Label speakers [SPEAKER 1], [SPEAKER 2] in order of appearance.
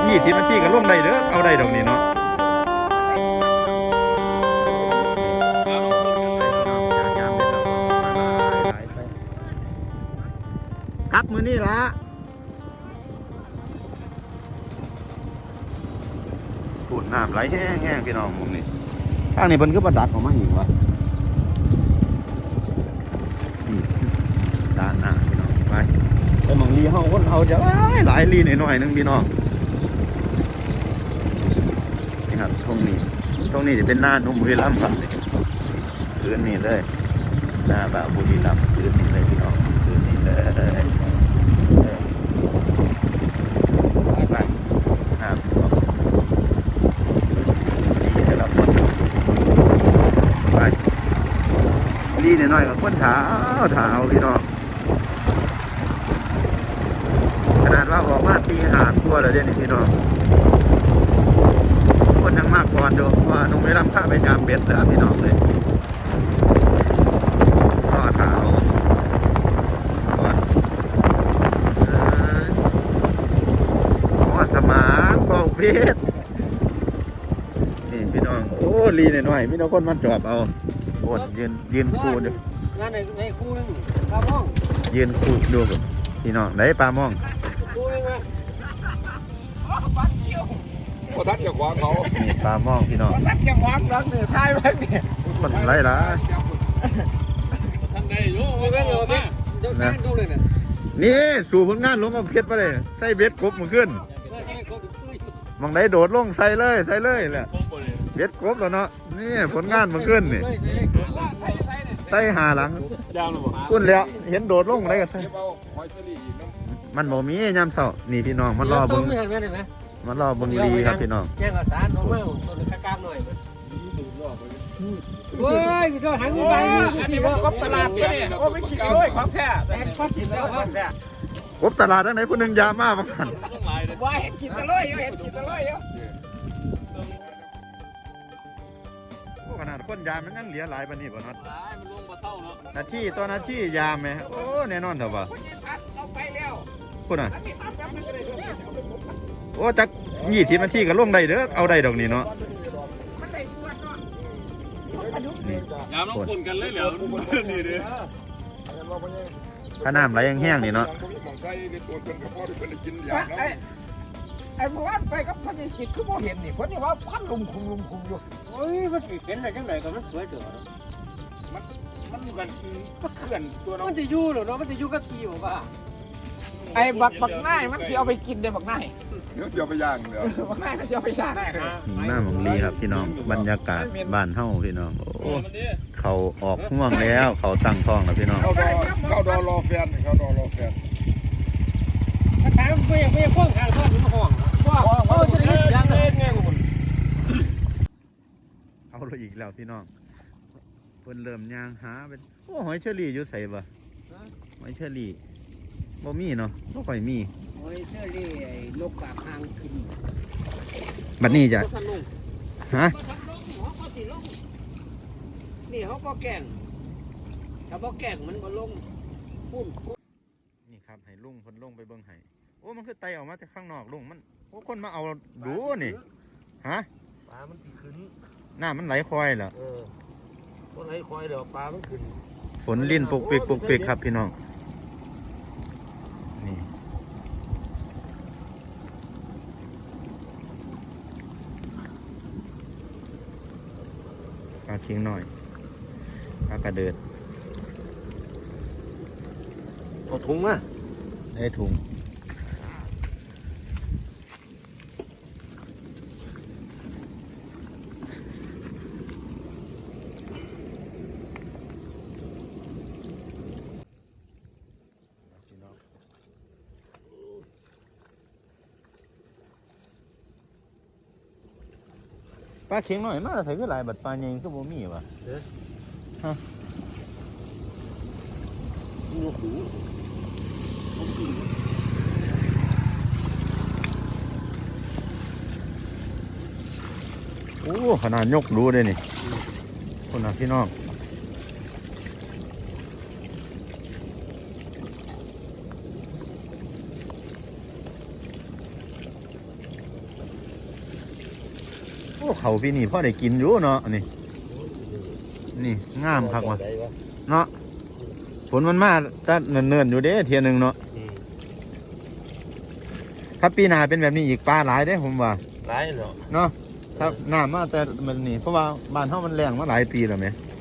[SPEAKER 1] 20 นาทีก็ลงได้เด้อเอาได้ดอกนี้เนาะครับมือนี่ละปูดน้ำไหลแห้งๆพี่น้องมุมนี้ทางนี้มันก็ประดักออกมาหิวะด้านหน้าพี่น้องไปมังลีเฮาคนเฮาจะหลายลีหน่อยนึงพี่น้องนี่ครับตรงนี้จะเป็นหน้านุ่มบุรีรัมย์ครับคืนนี้เลยหน้าแบบบุรีรัมย์คืนนี้เลยพี่น้องคืนนี้เลยไปครับดีแต่ละคนไปลีหน่อยกับคนเท้าพี่น้องขนาดว่าออกมาตีหาตัวเลยเด่นพี่น้องคนยังมากก่อนดูว่านุ่มไม่รับค่าไปยามเบ็ดแล้วพี่น้องเลยก็เท้าสมานปองเพชรนี่พี่น้องโอ้ลีหน่อยพี่น้องคนมันจอบเอาโอ้ยืนคู่ดู
[SPEAKER 2] งานในคู่นึงปลาม่อง
[SPEAKER 1] ยืนคู่ดูพี่น้องไหนปลาม่อง
[SPEAKER 2] คู่นึงนะ
[SPEAKER 3] พอทัดจะขวางเขา
[SPEAKER 1] นี่ปลาม่องพี่น้อง
[SPEAKER 2] ทัดจะขวางรักเนี่ยใช่ไหมเนี่ย
[SPEAKER 1] คนไรล่ะ
[SPEAKER 2] ทำได้โย่ไม่โย่พี่เจ้าการดูเลยเนี่ย
[SPEAKER 1] นี่สู่ผลงานลงมาเพชรไปเลยใส่เบ็ดกบมาขึ้นมองไหนโดดลงใส่เลยแหละเบ็ดกบแล้วเนาะนี่ผลงานมาขึ้นนี่ใส่หาหลังกุ้นแล้วเห็นโดดลงอะไรกันมันบ่มียามเช้านี่พี่น้องมันรอบึงลีครับพี่น้อง
[SPEAKER 2] แย่งกับสารน้องเมาตัวกระกามหน่อยเฮ้ยพี่เจ้าหันไปอันนี้ว่ากบตลาดเนี่ยโอ้ไม่คิดเลยของแท้แต่ข้อกินแล้วของแท้
[SPEAKER 1] กบตลาดทั้งไหนผู้หนึ่งยามาบางท่าน
[SPEAKER 2] ว่าเห็นกินตะลุยเห็นกินตะลุย
[SPEAKER 1] ขนาดคนยามมันยังเหลือหลายปานนี้บ่น็อต
[SPEAKER 2] มันลงมาเท่าเนาะ
[SPEAKER 1] นาทียามไหมโอ้แน่นอนเถอะว่ะคุณน่ะโอ้จัก20 นาทีก็ลงได้เด้อเอาได้ดอกนี้เนาะ
[SPEAKER 2] ยามต้องคนกันเลยเหรอนี่เด้อ
[SPEAKER 1] ถ้าน้ำไหลแห้งๆนี่เนาะ
[SPEAKER 2] ไอ้พวกไปกับพันธุ์คิดคือโมเห็นนี่คนนี้ว่าพันลุมคุมอยู่เฮ้ยมันเห็นอะไรจังไหนก็มันสวยเด้อมันเคลื่อนตัวน้องมันจะยู่หรอเนาะมันจะยู่กับกีบอกว่าไอ้บักนายมันเอาไปกินเด้บักนาย
[SPEAKER 3] เดี๋ยวไปย่างเดี๋ยว
[SPEAKER 2] บักนายมันจะเอาไปย่าง
[SPEAKER 1] หน้าหมองลีครับพี่น้องบรรยากาศบ้านเฮาพี่น้องโอ้เขาออกห่วงแล้วเขาตั้งท้องแล้วพี่น้อง
[SPEAKER 3] เข้าดอรอแฟน
[SPEAKER 2] ถามไม่พ่วงทางท้องมันห่วงว่าจะได้ย่างเลยไงคุณ
[SPEAKER 1] เอาเลยอีกแล้วพี่น้องเพิ่นเริ่มย่างหาเป็นโอ้หอยเชอรี่อยู่ใส่บ่หอยเชอรี่บ่มีเนาะบ่ค่อยมี
[SPEAKER 2] หอยเชอรี่ไอ้นกกาบหางกิน
[SPEAKER 1] บัดนี้จะฮะ
[SPEAKER 2] นี่เขาก็แกงถ้าบ่แกงมันบ่ลงพุ่น
[SPEAKER 1] นี่ครับให้ลุงเพิ่นลงไปเบิ่งให้โอ้มันคือไตออกมาจากข้างนอกลุงมันโอ้คนมาเอาดูนี่ฮะ
[SPEAKER 2] ปลามันสิขึ้น
[SPEAKER 1] น้ามันไหลคอยเหรอ
[SPEAKER 2] ก็ไหลคอยเดี๋ยวปลามันขึ้น
[SPEAKER 1] ฝนลิ้นปุกปิกครับพี่น้องนี่ปลาเคียงหน่อยปลากระเดิด
[SPEAKER 2] เอาถุงมา
[SPEAKER 1] ได้ถุงปลาเค็งหน่อยมาแต่ถือหลายบัดปลาใหญ่ก็บ่มีว่ะฮะโอ้ขนาดยกดูเลยนี่คนน่ะพี่น้องอ้เขาปีนี้พ่อได้กินอยู่เนาะนี่งามคักว่ะเนาะฝนมันมาจะเนิ่นๆอยู่เด้เทียหนึงเนาะถ้าปีหน้าเป็นแบบนี้อีกปลาหลายเด้ผมว่า
[SPEAKER 4] หลายเนาะ
[SPEAKER 1] เนาะถ้าน้ำมาแต่มันนี่เพราะว่าบ้านเฮามันแรงมาหลายปีแล้วแหม
[SPEAKER 4] ค